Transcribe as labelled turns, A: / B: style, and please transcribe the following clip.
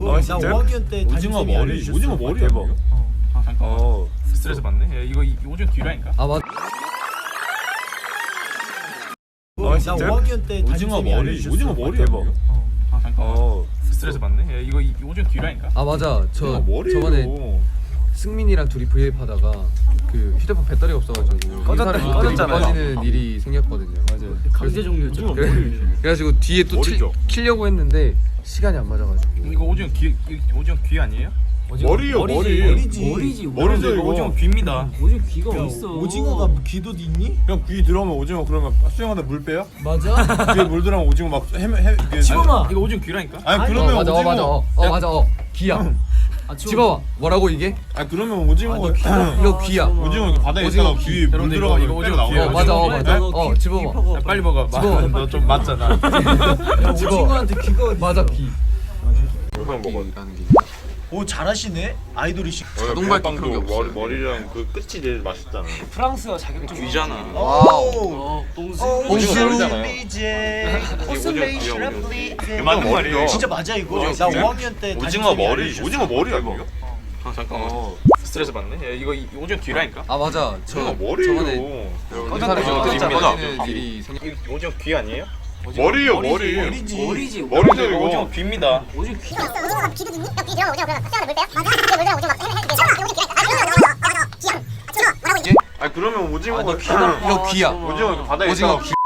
A: 나 5학년 때
B: 오징어 머리. 오징어 머리 대박.
C: 아 잠깐만. 스트레스 받네. 야, 이거 오징어 귀라니까.
D: 아 맞.
A: 나 5학년 때
B: 오징어 머리. 오징어 머리 대박.
C: 아 잠깐만. 스트레스 받네. 야, 이거 오징어 귀라니까.
D: 아 맞아. 저
B: 머리.
D: 저번에 승민이랑 둘이 브이앱 하다가 그 휴대폰 배터리가 없어가지고
B: 꺼졌잖아요.
D: 꺼지는 일이 생겼거든요. 맞아요.
E: 강제 종료였죠.
D: 그래가지고 뒤에 또
B: 머리죠.
D: 키려고 했는데 시간이 안 맞아가지고.
C: 이거 오징어 귀 아니에요?
B: 머리요 머리.
E: 머리지.
B: 머리죠 이거.
C: 오징어 귀입니다.
E: 오징어 귀가 어딨어?
A: 오징어가 귀도 있니?
B: 그냥 귀 들어오면 오징어 그러면 수영하다 물 빼요?
A: 맞아?
B: 귀에 물 들어오면 오징어 막
A: 집어봐.
C: 이거 오징어 귀라니까.
B: 아니 그러면
D: 맞아
B: 오징어.
D: 맞아 맞아 귀야. 집어봐. 뭐라고 이게?
B: 아니 그러면 오징어가
D: 이거 귀야.
B: 오징어 이렇게 바다에 있다가 귀 물
C: 여러분들
B: 들어가면
C: 이거 오징어
B: 나오는
C: 귀예요.
D: 맞아
B: 거죠?
D: 맞아. 집어봐.
C: 야, 빨리 먹어.
D: 집어.
C: 너 좀 맞잖아.
A: 오징어한테 귀가 어디?
D: 맞아 귀.
B: 영상 먹어.
A: 오 잘하시네. 아이돌이시.
D: 자동발기 그런 게 없어.
B: 머리랑 그 끝이 제일 맛있잖아.
E: 프랑스어 자격증
C: 귀잖아.
A: 와우.
B: 오징어
C: 맞는 말이에요.
A: 진짜 맞아 이거. 나 5학년 때
B: 오징어 머리. 오징어 머리 아니에요?
C: 아 잠깐만. 스트레스 받네. 야, 이거 오징어 귀라니까.
D: 아 맞아. 저
B: 오징어 머리요.
D: 저번에
C: 꺼졌네.
D: 꺼지는 일이 생겼.
C: 이거 오징어 귀 아니에요?
B: 머리요 머리.
A: 머리지.
E: 머리지.
B: 머리죠
C: 이거 오징어
B: 이거.
C: 귀입니다.
E: 오징어 귀.
F: 오징어가 귀도 있니? 야, 귀 들어가면 오징어 그냥 수영을 물 빼요? 맞아. 귀에 물 들어가면 오징어 막 여기 귀. 아, 귀야. 귀야. 뭐라고 있지?
B: 아니 그러면 오징어가
D: 이거 귀야.
B: 오징어 이렇게 바다에
D: 오징어
B: 있다가
D: 귀.